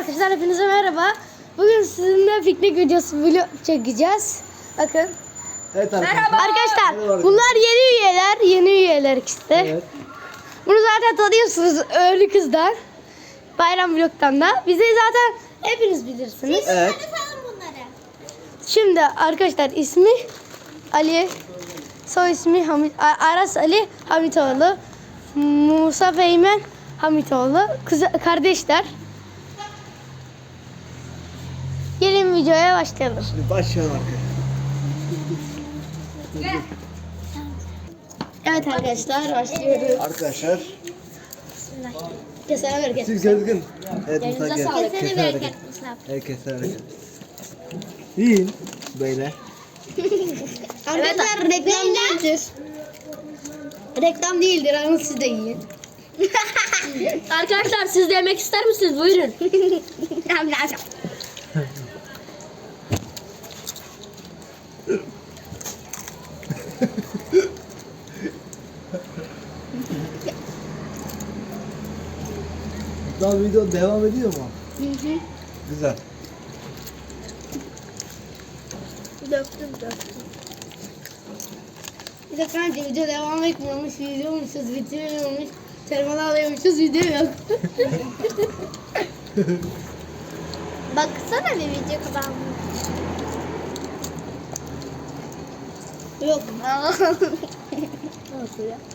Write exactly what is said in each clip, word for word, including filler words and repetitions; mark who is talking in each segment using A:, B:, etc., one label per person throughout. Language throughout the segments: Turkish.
A: arkadaşlar, hepinize merhaba. Bugün sizinle piknik videosu vlog çekeceğiz. Bakın.
B: Evet arkadaşlar.
A: Merhaba arkadaşlar.
B: Merhaba.
A: Bunlar yeni üyeler, yeni üyeler işte.
B: Evet.
A: Bunu zaten tanıyorsunuz Öğlü Kız'dan. Bayram vlog'tan da. Bizi zaten hepiniz bilirsiniz.
B: Evet.
A: Şimdi arkadaşlar, ismi Ali, soy ismi Hamit, Aras Ali Hamitoğlu, Musa Feymen Hamitoğlu, kız kardeşler. Gelin videoya başlayalım.
B: Şimdi başlayalım arkadaşlar.
A: Evet arkadaşlar, başlıyoruz.
B: Arkadaşlar.
A: Kesene bereket.
B: Siz gözgün. Evet Musa gel.
A: sağlık.
B: Kesene bereket. Herkese bereket. Yiyin. Böyle.
A: Arkadaşlar reklam değildir. Reklam değildir, ama siz de yiyin.
C: Arkadaşlar siz de yemek ister misiniz? Buyurun.
B: Daha video devam ediyor mu? Güzel.
A: Döktüm döktüm. Bir de kanka video devam etmiyormuş, videoymuşuz, bitmiyormuş. Termal alıyormuşuz, video yok.
C: Baksana bir video kadar.
A: Yok.
C: Nasıl ya?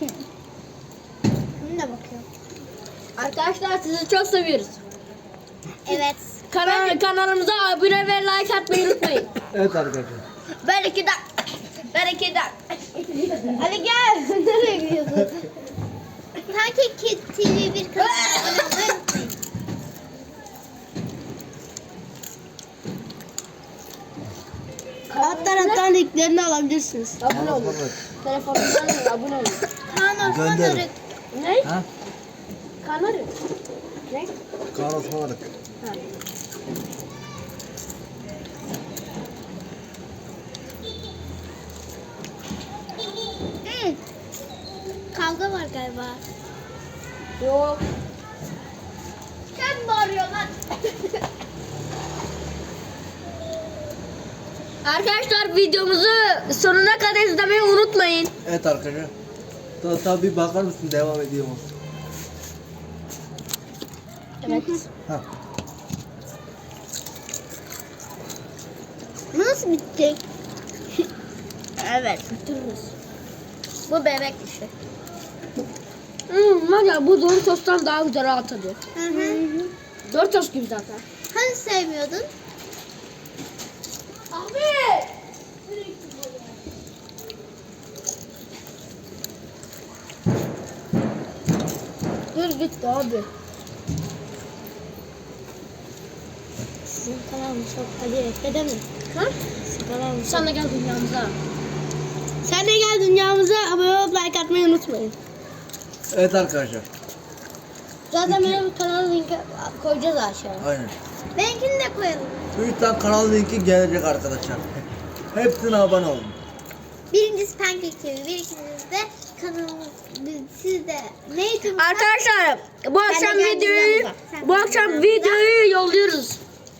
A: Bunu da bakıyorum.
C: Arkadaşlar sizi çok seviyoruz.
A: Evet.
C: Kanal, kanalımıza abone ve like atmayı unutmayın.
B: Evet arkadaşlar.
C: Ben iki dakika. Ben iki dakika.
A: Hadi gel. Nereye gidiyorsun?
C: Sanki T V bir kanal.
A: Alttan alttan linklerini alabilirsiniz.
C: Abone olun. Telefonundan da abone olun.
B: Gönderin.
C: Ne?
B: Ha?
C: Kanal. Ne?
B: Kaan Osmanlık.
A: Hmm. Kavga var galiba.
C: Yok.
A: Sen bağırıyor lan.
C: Arkadaşlar videomuzu sonuna kadar izlemeyi unutmayın.
B: Evet arkadaşlar. Daha tabi bakar mısın devam ediyor mu?
C: Evet.
B: Ha.
A: Nasıl bitecek?
C: Evet, bitiririz. Bu bebek işi. Hmm, var ya bu Doritos'tan daha güzel rahat tadı.
A: Hı hı.
C: Doritos gibi zaten.
A: Hani sevmiyordun?
C: Abi! Dur gitti abi.
A: Sizin kanalınız çok hadi ekle mi?
C: Ha?
A: Sizin kanalınız
C: Sen de gel dünyamıza.
A: Sen de gel dünyamıza, abone olup like atmayı unutmayın.
B: Evet arkadaşlar.
A: Zaten benim kanal linki koyacağız aşağıya.
B: Aynen.
A: Benimkini de koyalım.
B: Üç tane kanal linki gelecek arkadaşlar. Hepsine abone olun.
D: Birincisi Pancake T V, bir ikincisi de kanalımız, siz de neydi?
C: Arkadaşlar bu akşam
D: gel
C: videoyu
D: dünyamıza. Sen
C: bu
D: de
C: akşam
D: dünyamıza.
C: videoyu yolluyoruz.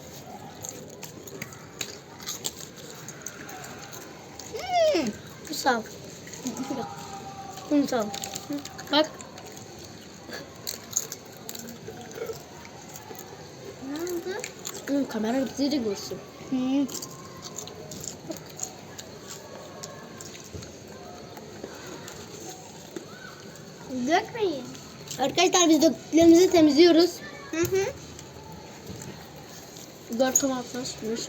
A: Hmm. Bu sağ. Bunu sağ. Bak.
D: Ne oldu?
C: Hmm, kamera bizi de görsün.
A: Hmm.
D: Dökmeyin.
A: Arkadaşlar biz döktüklerimizi temizliyoruz.
D: Hı hı.
C: Dört tomatla çıkmış.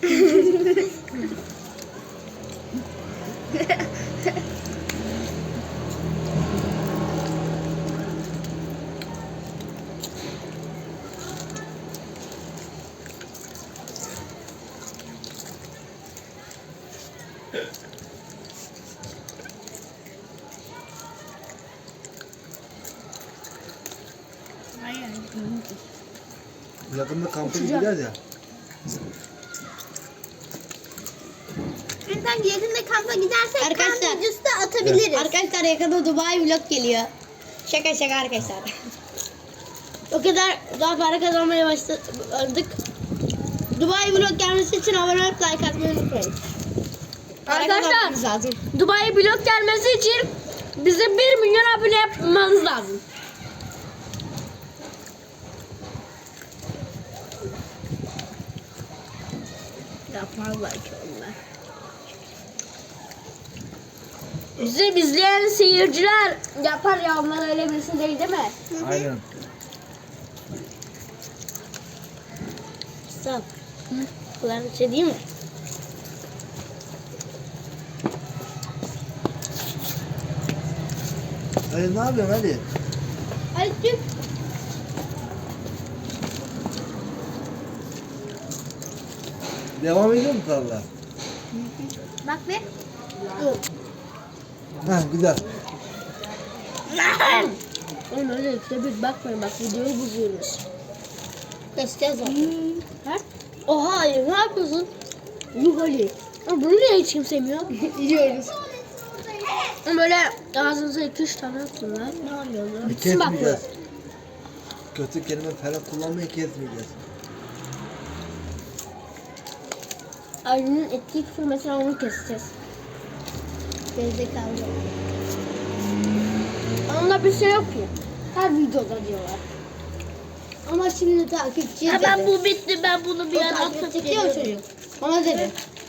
B: Yakında kampa gideceğiz ya.
D: Sanki yakında kampa gidersek
A: Arkadaşlar-
D: kamp videosu da atabiliriz.
A: Arkadaşlar yakında Dubai vlog geliyor. Şaka şaka arkadaşlar. O kadar daha para kazanmaya başladık. Dubai vlog gelmesi için abone olup like atmayı unutmayın. Para
C: Arkadaşlar,
A: kazanmamız lazım.
C: Dubai blok gelmesi için bize bir milyon abone yapmanız lazım.
A: Yapmazlar ki onlar.
C: Bizi izleyen seyirciler yapar ya, onlar öyle birisi değil değil mi?
B: Aynen.
A: Sağ ol. Kulağın bir şey değil mi?
B: Ali ne yapıyorsun Ali?
A: Hadi çık.
B: Devam ediyor mu tarla?
D: Bak be.
B: Ha güzel.
C: Oğlum öyle işte bir bakmayın, bak videoyu bozuyoruz.
A: Keseceğiz zaten.
C: Ha?
A: Oha hayır, ne yapıyorsun?
C: Yuh Ali. Ama bunu niye hiç kimse yemiyor?
A: Yiyoruz.
C: Ama böyle ağzınıza iki üç tane atın lan. Ne yapıyorsun?
B: E,
C: Bitsin bak bu.
B: kesmeyeceğiz. Kötü kelime falan kullanmayı kesmeyeceğiz.
C: Ali'nin ettiği küfür mesela, onu keseceğiz.
A: Gerizekalı.
C: Onda bir şey yok ki. Her videoda diyorlar.
A: Ama şimdi takipçi
C: Ha, ben bu bitti, ben bunu bir
A: O
C: yana
A: takip
C: atıp
A: çekiyor
C: geliyorum.
A: çocuk. Ona dedi.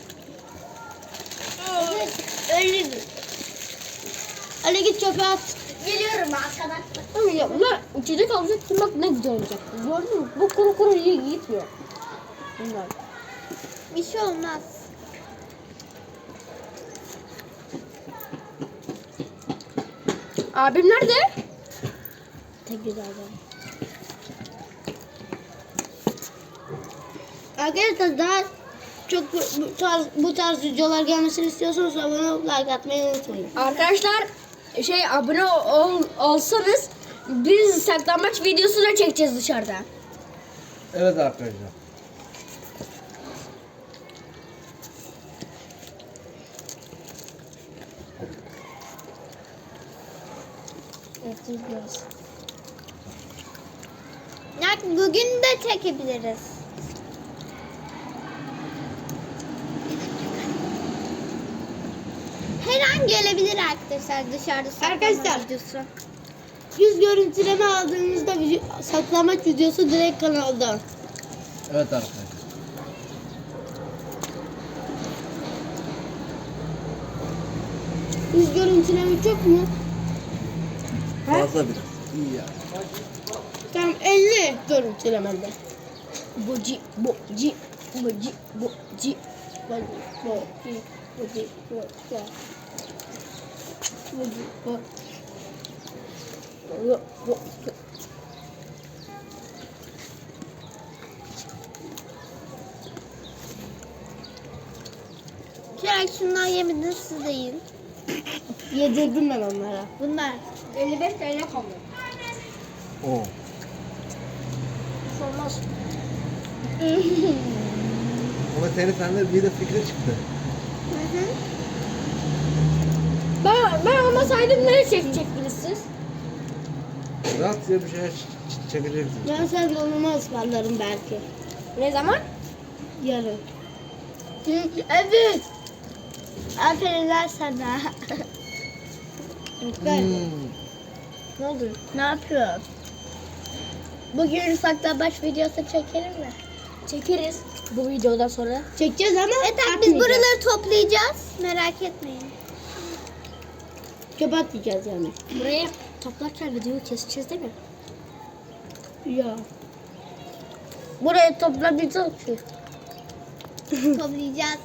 C: Öyle mi?
A: Ali git çöpe at.
D: Geliyorum arkadan.
C: Ama ya bunlar içecek alacaktım, bak ne güzel olacak. Gördün mü? Bu kuru kuru iyi gitmiyor. Bunlar.
D: Bir şey olmaz.
C: Abim nerede?
A: Tek güzel adam. Arkadaşlar daha çok bu bu tarz, bu tarz videolar gelmesini istiyorsanız abone olup like atmayı unutmayın.
C: Arkadaşlar şey abone ol, olsanız biz saklambaç videosu da çekeceğiz dışarıda.
B: Evet arkadaşlar.
A: Evet, izliyoruz.
D: Yani bugün de çekebiliriz. Her an gelebilir arkadaşlar dışarıda saklama
A: Arkadaşlar.
D: videosu.
A: Yüz görüntüleme aldığınızda video, saklamaç videosu direkt kanalda.
B: Evet arkadaşlar.
A: Yüz görüntüleme çok mu?
B: Fazla biraz. İyi ya.
A: Tam elli görüntülemende.
C: Boci, boci, boci, boci.
A: Bak, bak, bak, bak, bak.
C: Boci, bak. Bak, bak.
D: Şöyle şundan yemediniz siz de yiyin.
A: Yedirdim ben onlara.
D: Bunlar.
C: elli beş T L kaldı.
B: Oo.
C: Hiç olmaz.
B: Ama senin sende bir de fikri çıktı.
D: Hı hı.
C: Ben, ben olmasaydım ne çekecektiniz siz?
B: Rahat diye bir şeyler ç- ç- çekeceksin.
A: Ben sen dondurma ısmarlarım belki.
C: Ne zaman?
A: Yarın.
D: Evet. Aferin sana.
A: Ben.
B: Hmm.
C: Ne oldu?
D: Ne yapıyorsun? Bugün saklambaç videosu çekelim mi?
C: Çekeriz bu videodan sonra.
A: Çekeceğiz ama
D: Evet biz
A: atmayacağız.
D: buraları toplayacağız. Merak etmeyin.
A: Çöpe atmayacağız yani.
C: Burayı toplarken videoyu keseceğiz değil mi?
A: Ya.
C: Burayı toplamayacağız ki.
D: Toplayacağız.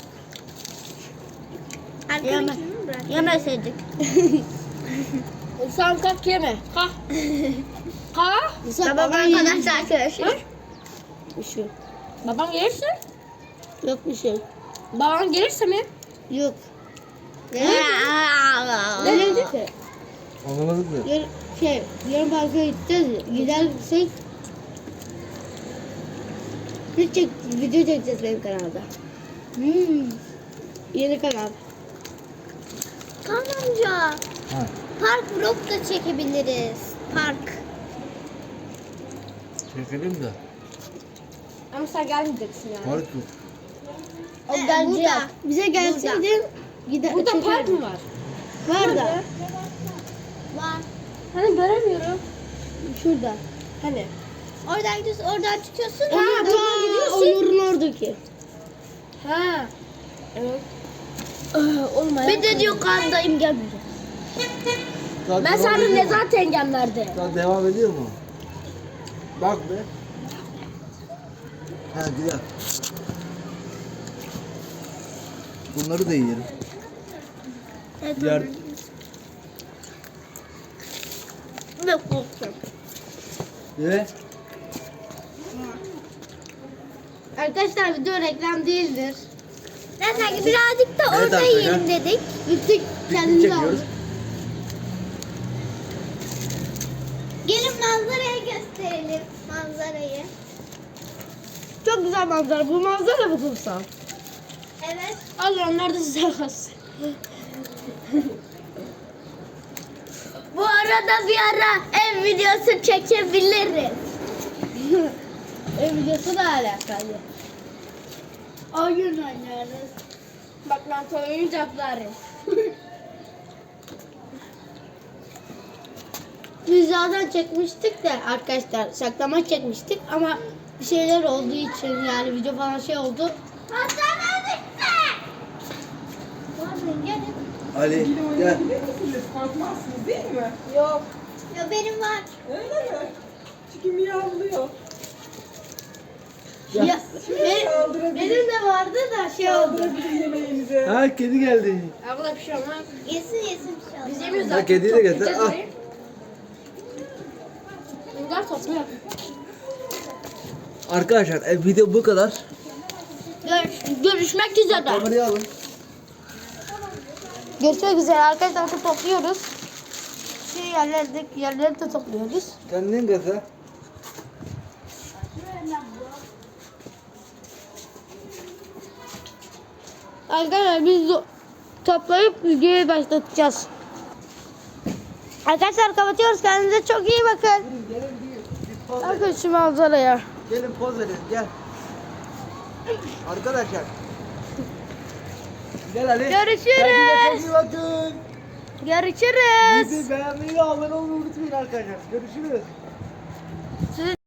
C: Yeme.
D: Arkadaşını mı bırak?
C: Yemeseydik. Sen kalk yeme. Kalk. Kalk.
A: Mesela
D: Tamam
A: babam
D: arkadaşlar arkadaşlar.
A: Bir şey.
C: Babam gelirse?
A: Yok bir şey.
C: Babam gelirse mi?
A: Yok.
C: Ne
A: Ne
C: dedi?
A: dedi ki?
B: Anlamadık mı?
A: Yar, şey, yarın parka gideceğiz. ya. Gidersek bir çek, video çekeceğiz benim kanalda. Hmm. Yeni kanal.
D: Kaan amca.
B: Ha.
D: Park vlog da çekebiliriz. Park.
B: Çekelim de.
C: Ama sen gelmeyeceksin yani.
B: Park yok.
C: O
D: Ee,
C: bence
D: burada.
C: yok.
A: Bize gelseydin gider.
C: Burada park
A: çekerdim.
C: mı var?
A: Var da.
D: Var.
C: Hani göremiyorum.
A: Şurada.
C: Hani?
D: Oradan gidiyorsun, oradan çıkıyorsun.
A: Ha,
D: oradan
A: ta
D: gidiyorsun.
A: Onur'un oradaki.
C: Ha. Evet. Oğlum
A: Bir de diyor kandayım gelmeyeceğim.
B: Daha
C: Ben
B: devam
C: sana
B: ediyor
C: ne
B: mu?
C: zaten gemlerde.
B: Daha devam ediyor mu? Bak be. Ha güzel. Bunları da yiyelim.
D: Evet,
B: Yer...
D: ne korkuyorum.
B: Ve
A: Arkadaşlar video reklam değildir.
D: Neyse ki birazcık da
B: Evet
D: orada
B: arkadaşlar.
D: yiyelim dedik.
A: Bittik
B: piknik
A: kendimizi
B: çekiyoruz.
A: aldık.
D: Gelin manzarayı gösterelim. Manzarayı.
A: Çok güzel manzara. Bu manzara mı kumsal?
D: Evet.
C: Allah onlar da size kalsın.
D: Bu arada bir ara ev videosu çekebiliriz.
A: Ev videosu da alakalı.
D: Oyun oynarız.
C: Bak lan oyuncakları.
A: Biz zaten çekmiştik de arkadaşlar saklama çekmiştik ama bir şeyler olduğu için yani video falan şey oldu.
D: Manzara bitti. Gelin.
B: Ali gel.
E: Korkmazsınız değil mi?
C: Yok.
D: Ya benim var.
E: Öyle mi? Çünkü miyavlıyor.
B: Gel.
A: Ya, benim,
E: Saldırabilir.
A: benim de vardı da şey oldu.
E: Saldırabilir yemeğinize.
B: Ha kedi geldi.
C: Abla bir şey olmaz.
D: Yesin yesin bir şey olmaz.
C: Biz yemiyoruz
B: Ha
C: zaten.
B: kediyi de getir.
C: Toplayacağız
B: Al.
C: orayı. Bunlar topluyor.
B: Arkadaşlar e, video bu kadar.
C: Görüş, görüşmek üzere.
B: Kamerayı alın.
A: Görüşmek üzere arkadaşlar bakın topluyoruz. Şey yerlerde yerleri de topluyoruz.
B: Kendin gaza.
A: Arkadaşlar biz de toplayıp videoyu başlatacağız. Arkadaşlar kapatıyoruz. Kendinize çok iyi bakın.
B: Gelin gelin bir, bir poz verin.
A: Bakın şu manzaraya.
B: Gelin poz verin gel. Arkadaşlar. Gel Ali.
A: Görüşürüz.
B: Kendinize çok iyi bakın.
A: Görüşürüz.
B: Bizi beğenmeyi ve abone olmayı unutmayın arkadaşlar. Görüşürüz.